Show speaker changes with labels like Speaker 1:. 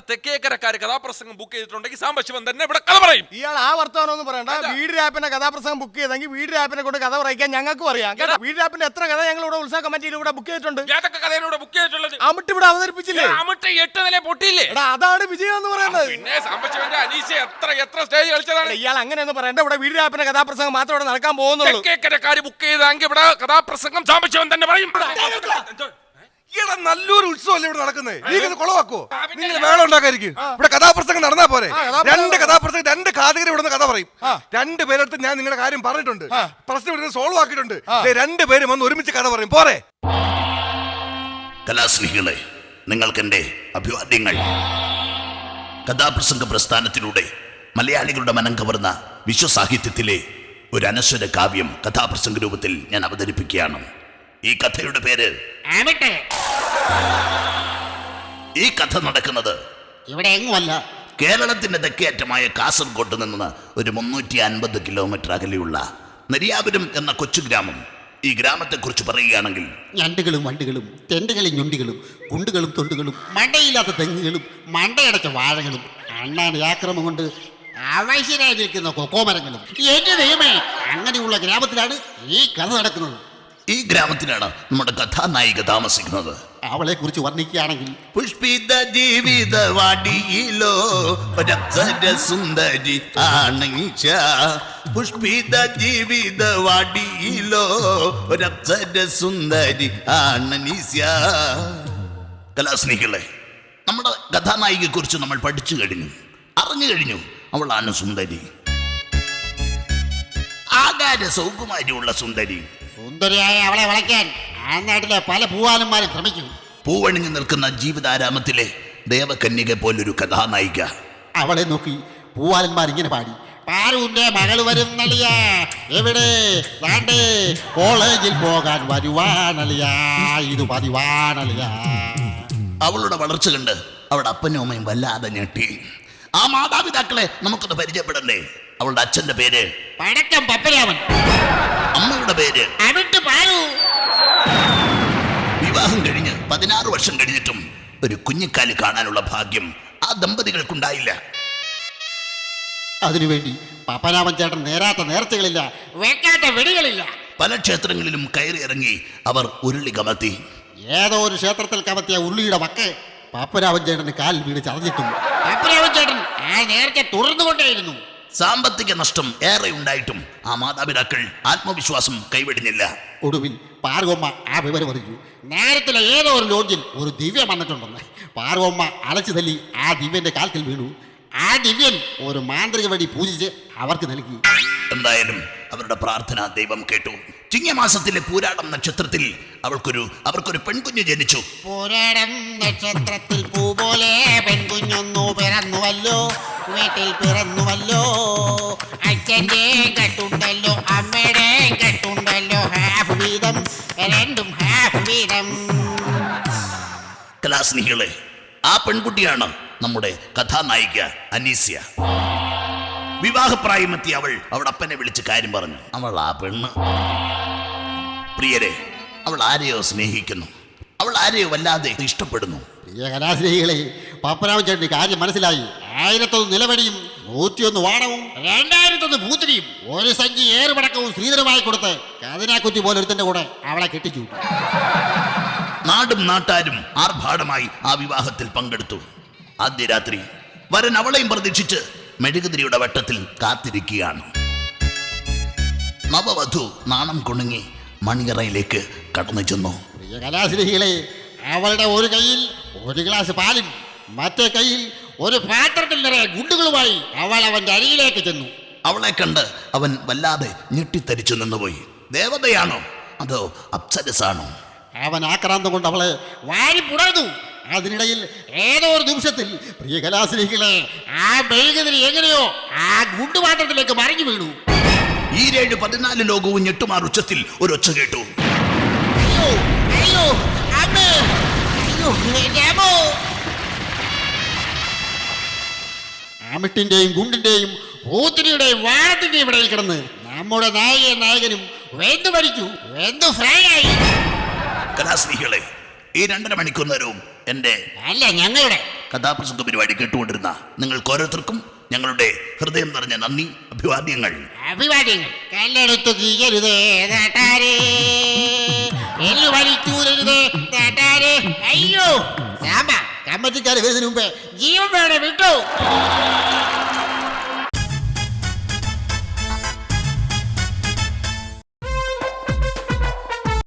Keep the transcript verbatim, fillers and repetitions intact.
Speaker 1: തെക്കേക്കരക്കാര് കഥാപ്രസംഗം ബുക്ക് ചെയ്തിട്ടുണ്ടെങ്കിൽ സാംബശിവൻ തന്നെ ഇവിടെ കഥ പറയും.
Speaker 2: ഇയാൾ ആ വർത്തമാനമൊന്നും പറയണ്ട. വീട് രാപ്പിന്റെ കഥാപ്രസംഗം ബുക്ക് ചെയ്തെങ്കിൽ വീട് രാപ്പിനെ കൊണ്ട് കഥ പറയിക്കാൻ ഞങ്ങൾക്കും അറിയാം കേട്ടോ. വീട് രാപ്പിന്റെ എത്ര കഥ ഞങ്ങൾ ഇവിടെ ഉത്സവ കമ്മിറ്റിയിൽ ഇവിടെ ബുക്ക് ചെയ്തിട്ടുണ്ട്.
Speaker 1: ഏതൊക്കെ കഥയിലൂടെ ബുക്ക് ചെയ്തിട്ടുള്ളത്?
Speaker 2: അമിട്ട് ഇവിടെ അവതരിപ്പിച്ചില്ലേ?
Speaker 1: അമിട്ട് എട്ട് നില പൊട്ടിയില്ലേ?
Speaker 2: എടാ അതാണ് വിജയം എന്ന് പറയുന്നത്.
Speaker 1: പിന്നെ സാംബശിവന്റെ അനീഷ എത്ര എത്ര സ്റ്റേജ് കളിച്ചതാണ്.
Speaker 2: ഇയാൾ അങ്ങനെയൊന്നും പറയണ്ട. ഇവിടെ വീട് രാപ്പിന്റെ കഥാപ്രസംഗം മാത്രം ഇവിടെ നടക്കാൻ പോകുന്നുള്ളൂ.
Speaker 1: തെക്കേക്കരക്കാര് ബുക്ക് ചെയ്തെങ്കിൽ ഇവിടെ കഥാപ്രസംഗം സാംബശിവൻ തന്നെ പറയും.
Speaker 3: ഇവിടെ നല്ലൊരു ഉത്സവമല്ലേ ഇവിടെ നടക്കുന്നത്? നീ ഇത് കുളവാക്കോ? നിങ്ങൾ വേളം ഉണ്ടാക്കാതിരിക്കും. ഇവിടെ കഥാപ്രസംഗം നടന്നാ പോരെ? രണ്ട് കഥാപ്രസംഗം രണ്ട് കാതകര് ഇവിടെ കഥ പറയും. രണ്ട് പേരെടുത്ത് ഞാൻ നിങ്ങളുടെ കാര്യം പറഞ്ഞിട്ടുണ്ട്, പ്രശ്നം ഇവിടെ സോൾവ് ആക്കിയിട്ടുണ്ട്. രണ്ട് പേരും വന്ന് ഒരുമിച്ച് കഥ പറയും പോരെ?
Speaker 4: കലാസ്നേഹികളെ, നിങ്ങൾക്ക് എന്റെ അഭിവാദ്യങ്ങൾ. കഥാപ്രസംഗ പ്രസ്ഥാനത്തിലൂടെ മലയാളികളുടെ മനം കവർന്ന വിശ്വസാഹിത്യത്തിലെ ഒരു അനശ്വര കാവ്യം കഥാപ്രസംഗ രൂപത്തിൽ ഞാൻ അവതരിപ്പിക്കുകയാണ്. ഈ കഥയുടെ പേര് ഈ കഥ നടക്കുന്നത്
Speaker 5: ഇവിടെ എങ്ങുമല്ല,
Speaker 4: കേരളത്തിന്റെ തെക്കേയറ്റമായ കാസർഗോഡ് നിന്ന് ഒരു മുന്നൂറ്റി അൻപത് കിലോമീറ്റർ അകലെയുള്ള നെരിയാപുരം എന്ന കൊച്ചു ഗ്രാമം. ഈ ഗ്രാമത്തെക്കുറിച്ച് പറയുകയാണെങ്കിൽ
Speaker 5: ഞണ്ടുകളും വണ്ടുകളും തെണ്ടുകളും ഞൊണ്ടികളും കുണ്ടുകളും തൊണ്ടുകളും മണ്ടയില്ലാത്ത തെങ്ങുകളും മണ്ടയടച്ച വാഴകളും അണ്ണാൻ ആക്രമം കൊണ്ട് അവശരായി നിൽക്കുന്ന കൊക്കോമരങ്ങളും. എന്റെ ദൈവമേ, അങ്ങനെയുള്ള ഗ്രാമത്തിലാണ് ഈ കഥ നടക്കുന്നത്.
Speaker 4: ഈ ഗ്രാമത്തിലാണ് നമ്മുടെ കഥാനായിക താമസിക്കുന്നത്.
Speaker 5: അവളെ കുറിച്ച് വർണ്ണിക്കുകയാണെങ്കിൽ,
Speaker 4: പുഷ്പിത ജീവിത വാടിയിലോ ഒരപ്സര സുന്ദരി ആണീശ. പുഷ്പിത ജീവിത വാടിയിലോ ഒരപ്സര സുന്ദരി ആണീശ. കലാസ്നേഹികളെ, നമ്മുടെ കഥാനായികയെ കുറിച്ച് നമ്മൾ പഠിച്ചു കഴിഞ്ഞു, അറിഞ്ഞു കഴിഞ്ഞു. അവളാണ് സുന്ദരി, ആകാര സൗകുമാരിയുള്ള സുന്ദരി.
Speaker 5: സുന്ദരിയായ അവളെ വളയ്ക്കാൻ ആ നാട്ടിലെ പല പൂവാലന്മാരും ശ്രമിക്കും.
Speaker 4: പൂവണിഞ്ഞു നിൽക്കുന്ന ജീവിതാരാമത്തിലെ ദേവകന്യക പോലൊരു കഥാനായിക.
Speaker 5: അവളെ നോക്കി പൂവാലന്മാർ ഇങ്ങനെ പാടി: പാറുവിന്റെ മകൾ വരുന്നളിയ, എവിടെ ദാണ്ടേ കോളേജിൽ പോകാൻ വരുവാനളിയ, ഇത് പതിവാനളിയ.
Speaker 4: അവളുടെ വളർച്ച കണ്ട് അവളുടെ അപ്പനും അമ്മയും വല്ലാതെ ഞെട്ടി. ആ മാതാപിതാക്കളെ നമുക്കൊന്ന് പരിചയപ്പെടണ്ടേ? അവളുടെ അച്ഛന്റെ പേര്
Speaker 5: പടക്കം പപ്പരാമൻ,
Speaker 4: അമ്മയുടെ പേര്
Speaker 5: അവിട്ട് പാറു.
Speaker 4: വിവാഹം കഴിഞ്ഞ് പതിനാറ് വർഷം കഴിഞ്ഞിട്ടും ഒരു കുഞ്ഞിക്കാലി കാണാനുള്ള ഭാഗ്യം ആ ദമ്പതികൾക്കുണ്ടായില്ല.
Speaker 5: അതിനുവേണ്ടി പപ്പനാമൻ ചേട്ടൻ നേരാത്ത നേർച്ചകളില്ല, വെക്കാത്ത വെടികളില്ല.
Speaker 4: പല ക്ഷേത്രങ്ങളിലും കയറി ഇറങ്ങി അവർ ഉരുളി കമത്തി.
Speaker 5: ഏതോ ഒരു ക്ഷേത്രത്തിൽ കമത്തിയ ഉരുളിയുടെ വക്ക് പപ്പനാമൻ ചേട്ടന് കാലിൽ വീട് ചതഞ്ഞിട്ടും പപ്പനാമൻ ചേട്ടൻ ആ നേർച്ച തുടർന്നുകൊണ്ടേയിരുന്നു.
Speaker 4: സാമ്പത്തിക നഷ്ടം ഏറെ ഉണ്ടായിട്ടും ആ മാതാപിതാക്കൾ ആത്മവിശ്വാസം കൈവിടുന്നില്ല.
Speaker 5: ഒടുവിൽ പാർവമ്മ ആ വിവരം അറിഞ്ഞു. നേരത്തിലെ ഏതോ ഒരു ലോഡ്ജിൽ ഒരു ദിവ്യം വന്നിട്ടുണ്ടെന്ന്. പാർവമ്മ അലച്ചു തല്ലി ആ ദിവ്യന്റെ കാൽക്കൽ വീണു. ആ ദിവ്യൻ ഒരു മാന്ത്രിക വഴി പൂജിച്ച് അവർക്ക് നൽകി.
Speaker 4: എന്തായാലും അവരുടെ പ്രാർത്ഥന ദൈവം കേട്ടു. ചിങ്ങമാസത്തിലെ പൂരാടം നക്ഷത്രത്തിൽ അവൾക്കൊരു അവർക്കൊരു പെൺകുഞ്ഞ് ജനിച്ചു.
Speaker 5: പൂരാടം നക്ഷത്രത്തിൽ പൂ പോലെ പെൺകുഞ്ഞൊന്നു പിറന്നുവല്ലോ, വീട്ടിൽ പിറന്നുവല്ലോ. അച്ഛൻ്റെ കെട്ടുണ്ടല്ലോ, അമ്മയുടെ കെട്ടുണ്ടല്ലോ, ഹാഫ് വീതം, രണ്ടും ഹാഫ് വീതം.
Speaker 4: കലാസ്നേഹികളെ, ആ പെൺകുട്ടിയാണ് നമ്മുടെ കഥാനായിക അനീസ്യ. വിവാഹപ്രായമെത്തി അവൾ അവളുടെ അപ്പനെ വിളിച്ച് കാര്യം പറഞ്ഞു. അവൾ ആ പെണ്ണ്, പ്രിയരെ, അവൾ ആരെയോ സ്നേഹിക്കുന്നു, അവൾ ആരെയോ വല്ലാതെ ഇഷ്ടപ്പെടുന്നു.
Speaker 5: പ്രിയ കലാസ്നേഹികളെ, പപ്പനാമൻ ചേട്ടന് കാര്യം മനസ്സിലായി. ആയിരത്തൊന്ന് നിലവടിയും നൂറ്റിയൊന്ന് വാണവും രണ്ടായിരത്തൊന്ന് പൂത്തിരിയും ഒരു സഞ്ചി ഏറുപടക്കവും ശ്രീധരമായി കൊടുത്ത് കതിനാക്കുറ്റി പോലെ ഒരുത്തന്റെ കൂടെ അവളെ കെട്ടിച്ചു.
Speaker 4: നാടും നാട്ടാരും ആർഭാടമായി ആ വിവാഹത്തിൽ പങ്കെടുത്തു. ആദ്യ രാത്രി വരൻ അവളെയും പ്രതീക്ഷിച്ച് മെഴുകുതിരിയുടെ വട്ടത്തിൽ കാത്തിരിക്കുകയാണ്. നവവധു നാണം കുണുങ്ങി മണിയറയിലേക്ക് കടന്നു ചെന്നു.
Speaker 5: പ്രിയ കലാസ്നേഹികളെ, അവളുടെ ഒരു കയ്യിൽ ഒരു ഗ്ലാസ് പാലും മറ്റേ കയ്യിൽ ഒരു പാത്രത്തിൽ നിറയെ ഗുണ്ടുകളുമായി അവൾ അവന്റെ അരികിലേക്ക് ചെന്നു.
Speaker 4: അവളെ കണ്ട് അവൻ വല്ലാതെ ഞെട്ടിത്തരിച്ചു നിന്നുപോയി. ദേവതയാണോ അതോ അപ്സരസാണോ?
Speaker 5: അവൻ ആക്രാന്തം കൊണ്ട് അവളെ വാരി പുണർന്നു. അതിനിടയിൽ ഏതോ ഒരു നിമിഷത്തിൽ പ്രിയ കലാസ്നേഹികളെ, ആ മെഴുകുതിരി എങ്ങനെയോ ആ ഗുണ്ടുപാത്രത്തിലേക്ക് മറിഞ്ഞു വീണു.
Speaker 4: ഈരേഴ് പതിനാല് ലോകവും ഞെട്ടുമാർ ഉച്ചത്തിൽ ഒരു ഒച്ച കേട്ടു.
Speaker 5: അയ്യോ അയ്യോ അമ്മേ, അയ്യോ എന്റെ അമ്മോ. ആമിട്ടിന്റെയും ഗുണ്ടിന്റെയും പൂത്തിരിയുടെയും വാഴത്തിന്റെയും ഇടയിൽ കിടന്ന് നമ്മുടെ നായകൻ നായകനും വെന്തു മരിച്ചു, വെന്തു ഫ്രൈ ആയി.
Speaker 4: കലാസ്നേഹികളെ, ഈ രണ്ടര മണിക്കൂർ നേരവും എൻ്റെ
Speaker 5: അല്ല ഞങ്ങളുടെ
Speaker 4: കഥാപ്രസംഗ പരിപാടി കേട്ടുകൊണ്ടിരുന്ന നിങ്ങൾക്ക് ഓരോരുത്തർക്കും ഞങ്ങളുടെ ഹൃദയം നിറഞ്ഞ നന്ദി, അഭിവാദ്യങ്ങൾ.
Speaker 5: അഭിവാദ്യങ്ങൾ. കല്ലെടുത്തു കീയരുതേ നാട്ടാരേ, എല്ലു വലിച്ചൂരരുതേ നാട്ടാരേ. അയ്യോ സാമ്പ കമ്മറ്റിക്കാരെ വരുന്നതിന് മുമ്പേ ജീവൻ വേണേ വിട്ടു.